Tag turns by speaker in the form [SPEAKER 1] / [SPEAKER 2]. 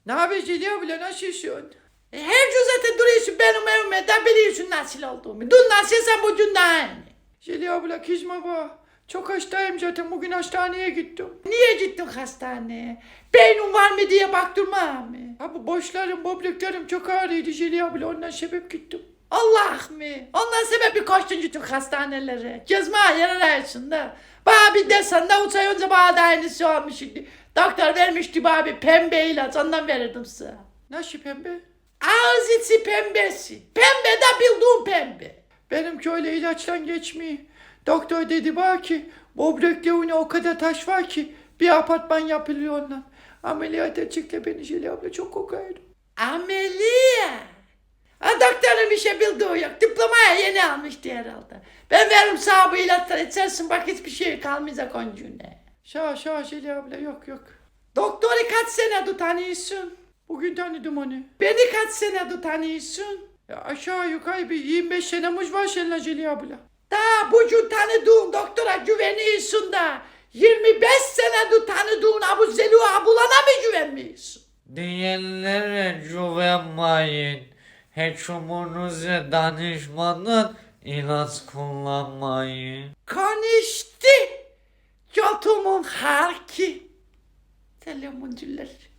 [SPEAKER 1] Ne haber Zeliha bile, nasılsın? Her gün zaten duruyorsun benim evime de biliyorsun nasıl olduğumu. Dün nasılsan bugün de aynı. Zeliha abla kızma bak. Çok hastayım zaten, bugün hastaneye gittim. Niye gittin hastaneye? Beynin var mı diye baktırma mı? Ha bu boşlarım, böbreklerim çok ağrıydı Zeliha abla, ondan sebep gittim. Allah mı? Ondan sebep bir koştun gittin hastanelere. Gezme yer arasında. Bana bir desen de 3 ay önce bana da aynısı olmuştu. Doktor vermişti bana bir pembe ilaç, ondan verirdim size. Nasıl pembe? Ağız içi pembesi. Pembe de bildiğin pembe. Benimki öyle ilaçtan geçmiyor. Doktor dedi bana ki böbreklerine o kadar taş var ki bir apartman yapılıyor ondan. Ameliyata çıktı beni Zeliha abla, çok kokardım. Ameliyat? Ha doktorun bir şey bildiği yok. Diplomaya yeni almıştı herhalde. Ben veririm sana bu ilaçları içersin, bak hiçbir şey kalmayacak oncuğuna. Şa Zeliha abla, yok. Doktoru kaç senedir tanıyorsun? Bugün tanıdım onu. Beni kaç senedir tanıyorsun? Ya aşağı yukarı bir 25 senemiz var seninle Zeliha abla. Daha bugün tanıdığın doktora güveniyorsun da 25 senedir tanıdığın Abu Zeliha abulana mı güvenmiyorsun?
[SPEAKER 2] Diyenlere güvenmeyin. Hekiminize danışmadan ilaç kullanmayın.
[SPEAKER 1] Konuştu. Götümün harki. Selamun cüller.